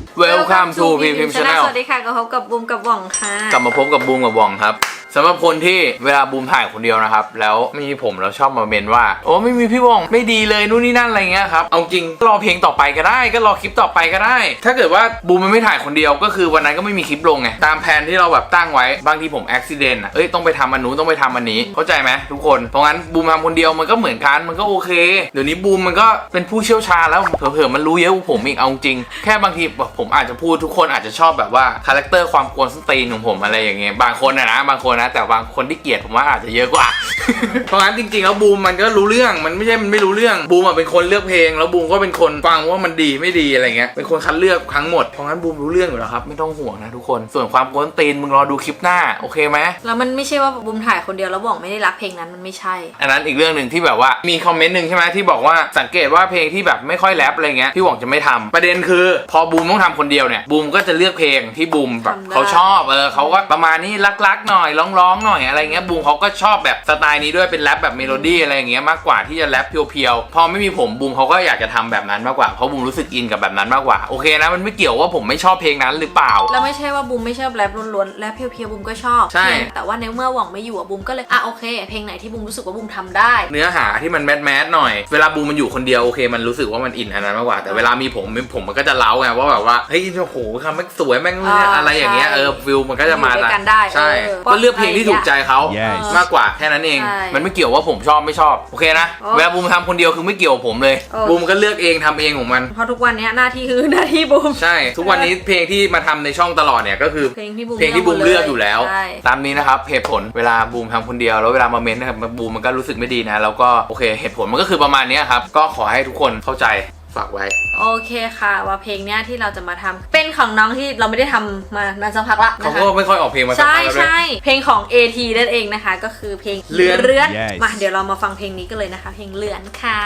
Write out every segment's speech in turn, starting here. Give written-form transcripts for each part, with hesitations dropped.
Welcome to PPM Channel สวัสดีค่ะก็พบกับบูมกับว่องค่ะกลับมาพบกับบูมกับว่องครับสำหรับคนที่เวลาบูมถ่ายคนเดียวนะครับแล้วไม่มีผมแล้วชอบมาเมนว่าโอ้ไม่มีพี่ว่องไม่ดีเลยนู่นนี่นั่นอะไรเงี้ยครับเอาจริงรอเพลงต่อไปก็ได้ก็รอคลิปต่อไปก็ได้ถ้าเกิดว่าบูมมันไม่ถ่ายคนเดียวก็คือวันนั้นก็ไม่มีคลิปลงไงตามแผนที่เราแบบตั้งไว้บางทีผมอุบิเหตุต้องไปทำอันนู้นต้องไปทำอันนี้เข้าใจไหมทุกคนเพราะงั้นบูมทำคนเดียวมันก็เหมือนกันมันก็โอเคเดี๋ยวนี้บูมมันก็เป็นผู้เชี่ยวชาญแล้วเผลอๆมันรู้เยอะกว่าผมอีกเอาจริงแค่บางทีผมอาจจะพูดทุกคนอาจจะชอบแบบว่าคาแรคเตอร์ความกวนส้นตีนของผมอะไรอย่างเงี้ยบางคนนะบางคนนะแต่บางคนที่เกลียดผมว่าอาจจะเยอะกว่า เพราะงั้นจริงๆแล้วบูมมันก็รู้เรื่องมันไม่ใช่มันไม่รู้เรื่องบูมเป็นคนเลือกเพลงแล้วบูมก็เป็นคนฟังว่ามันดีไม่ดีอะไรเงี้ยเป็นคนคัดเลือกทั้งหมดเพราะงั้นบูมรู้เรื่องอยู่แล้วครับไม่ต้องห่วงนะทุกคนส่วนความกวนตีนมึงรอดูคลิปหน้าโอเคไหมแล้วมันไม่ใช่ว่าบูมถ่ายคนเดียวแล้วว่องไม่ได้รักเพลงนั้นมันไม่ใช่อันนั้นอีกเรื่องหนึ่งที่แบบว่ามีคอมเมนต์หนึ่งใช่ไหมที่บอกว่าสังเกตว่าเพลงที่แบบไม่ค่อยแรปอะไรเงี้ยพี่หว่องจะไม่ทำประเด็นคือพอบูมต้องทำคนเดียวเนี่ยบูมก็จะเลือกเพลงที่บูมแบบเขาชอบเขาก็ประมาณนี้รักๆหน่อยร้องๆหน่อยอะไรเงี้ยบูมเขาก็ชอบแบบสไตล์นี้ด้วยเป็นแรปแบบเมโลดี้อะไรอย่างเงี้ยมากกว่าที่จะแรปเพียวๆพอไม่มีผมบูมเขาก็อยากจะทำแบบนั้นมากกว่าเพราะบูมรู้สึกอินกับแบบนั้นมากกว่าโอเคนะมันไม่เกี่ยวว่าผมไม่ชอบเพลงนั้นหรือเปล่าแล้วไม่ใช่ว่าบูมไม่ชอบแรปล้วนๆแรปเพียวๆบูมก็ชอบใช่แต่ว่าในเมื่อว่องไม่อยู่บูมก็เลยโอเคเพลงไหนที่บูมรู้สึกว่าบูมทำได้เนื้อหาที่มันแมสหน่อยเวลาบูมมันอยู่คนเดียวโอเคมันรู้สึกว่ามันอินอันนั้นมากกว่าแต่เวลามีผมมันก็จะเล้าไงว่าแบบว่าเฮ้ยโอ้โหคำแม่งสวยแม่งอะไรอย่างเงี้ยฟิลมันก็จะมาใช่ก็เลือกเพลงที่ถูกใจเขามากกว่าแค่นั้นเองมันไม่เกี่ยวว่าผมชอบไม่ชอบโอเคนะเวลาบูมทำคนเดียวคือไม่เกี่ยวกับผมเลยบูมก็เลือกเองทำเองของมันเพราะทุกวันนี้หน้าที่คือหน้าที่บูมใช่ทุกวันนี้เพลงที่มาทำในช่องตลอดเนี่ยก็คือเพลงที่บูมเลือกอยู่แล้วตามนี้นะครับเหตุผลเวลาบูมทำคนเดียวแล้วเวลามาเม้นนะครับบูมมันก็รู้สึกไม่ดีนะแล้วก็โอเคเหตุผลมันก็คือประมาณนี้ครับก็ขอให้ทุกคนเข้าใจฝากไว้โอเคค่ะว่าเพลงเนี้ยที่เราจะมาทำเป็นของน้องที่เราไม่ได้ทำมาสักพักละเขาก็ไม่ค่อยออกเพลงมาสักพักแล้วด้วยใช่เพลงของ AT นั่นเองนะคะก็คือเพลงเลือนมาเดี๋ยวเรามาฟังเพลงนี้กันเลยนะคะเพลงเลือนค่ะ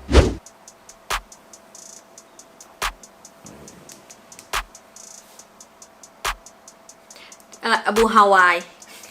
บูฮาวาย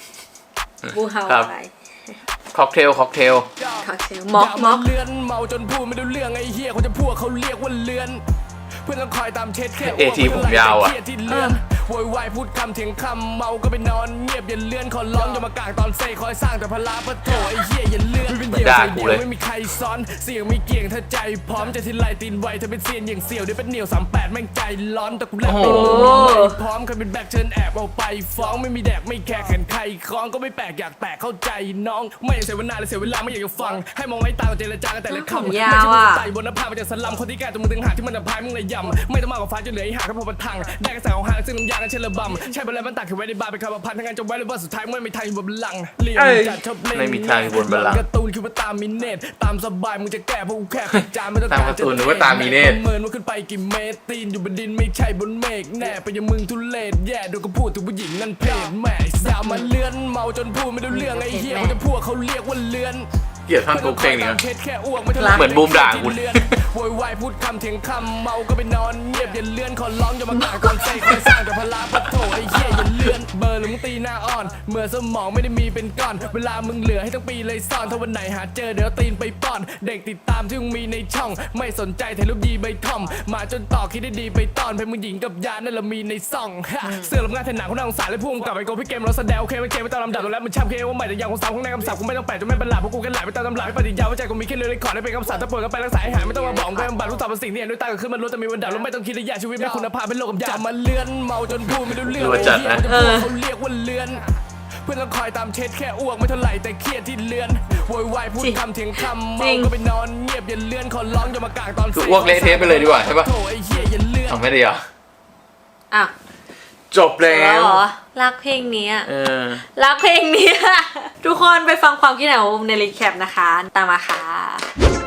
ค็อกเทลม็อกเลือนเมาจนพูดไม่รู้เรื่องไอ้เหี้ยคนจะพูดเขาเรียกว่าเลือนเพื่อนต้องคอยตามเช็ดแค่ผมยาวโวยวายพูดคำเถียงคำเมาก็ไปนอนเงียบอย่าเลื่อนขอร้องอย่ามากางตอนเซ่คอยสร้างแต่พลาปะโถไอ้เหี้ยอย่าเลื่อนไม่เป็นเดี่ยวใจเดียวไม่มีใครซ้อนเสียงมีเกี่ยงถ้าใจพร้อมจะทิ้งลายตีนไวเธอเป็นเซียนอย่างเสี่ยวเดี๋ยวเป็นเหนียว38แม่งใจร้อนแต่กูแลบเป็นพร้อมเคยเป็นแบกเชิญแอบเอาไปฟ้องไม่มีแดกไม่แคร์แขนใครคล้องก็ไม่แปลกอยากแตกเข้าใจน้องไม่อยากเสียเวลาเลยเสียเวลาไม่อยากจะฟังให้มองไว้ตาเจรจากันแต่ละคำไม่ใช่ใจบนหน้าผามาจากสลัมคนที่แก่ตัวมึงถึงหาที่มันพายมึงเลยยำไม่ต้องมากกว่าฟ้าจนเหลือไอ้หาแค่พอประทังได้กระแสของหางซึ่งน้ำยากันเชลบัมใช่ไปแล้วมันตักขึ้นไว้ในบาร์เป็นคำพันทั้งงานจบไว้เลยว่าสุดท้ายไม่มีทางอยู่บนบัลลังก์เลี้ยงจัดชอบเล่นไม่มีทางอยู่บนบัลลังก์การ์ตูนคิดว่าตามมีเนตตามสบายมึงจะแก้เพราะกูแค่จานไม่ต้องตามการ์ตูนหรือว่าตามมีเนตเมินว่าขึ้นไปกี่เมตรตีนอยู่บนดินไม่ใช่บนเมฆแน่ไปยังมึงทุเรศแย่ดูก็พูดถึงผู้หญิงนั่นเพศแม่อย่ามาเลื่อนเมาจนพูดไม่รู้เรื่องไอ้เหี้ยเขาจะพูดเขาเรียกว่าเลื่อนเกลียดท่อนทุกเพลงนี้เหมือนบูมด่ากูโวยวายพูดคำเถียงคำเมาก็ไปนอนเงียบอย่าเลื่อนขอร้องอย่ามากางก่อนใส่คอยสร้างแต่พลาปะโถไอ้เหี้ยอย่าเลื่อนเบอร์หรือมึงตีหน้าอ่อนเมื่อสมองไม่ได้มีเป็นก้อนเวลามึงเหลือให้ทั้งปีเลยซ่อนถ้าวันไหนหาเจอเดี๋ยวตีนไปป้อนเด็กติดตามที่มึงมีในช่องไม่สนใจถ่ายรูปดีใบทอมมาจนต่อคิดได้ดีไปตอนเพลงมึงหญิงกับยานั่นเรามีในซ่องเสื้อลำงานแทนหนังคนน่าสงสารและพุ่งกลับไปโกพี่เกมเราแสดงโอเคไม่เกมไม่ต้องลำดับตัวแล้วมันช้ำเคว่าใหม่แต่ยังคงซ้ำของในคำศัพท์กูไม่ต้องแปลจนไม่เป็นหลักเพราะกูแค่ไหลไปตามตำราปฏิญาว่าใจกูมีแค่เรื่องขอได้เป็นคำสั่งถ้าป่วยก็ไปรักษาให้หายไม่ต้องมาบอกไปบำบัดรู้ต่อเป็นสิ่งที่เห็นด้วยตาก็ขึ้นมันรู้แต่มีวันดับแล้วไม่ต้องคิดระยะชีวิตไม่คุณภาพเป็นโลกกับยามาเลื่อนเมาจนพูดไม่รู้เรื่องเขาเรียกว่าเลื่อนเพื่อนต้องคอยตามเช็ดแค่อ้วกไม่เท่าไหร่แต่เครียดที่เลื่อนโวยวายพูดคำเถียงคำเมาก็ไปนอนเงียบอย่าเลื่อนขอร้องอย่ามากางตอนอ้วกเละเทะไปเลยดีกว่าใช่ปะทำไม่ได้เหรอจบแล้วรักเพลงนี้รักเพลงนี้ทุกคนไปฟังความคิดเห็นของบูมในรีแคปนะคะตามมาค่ะ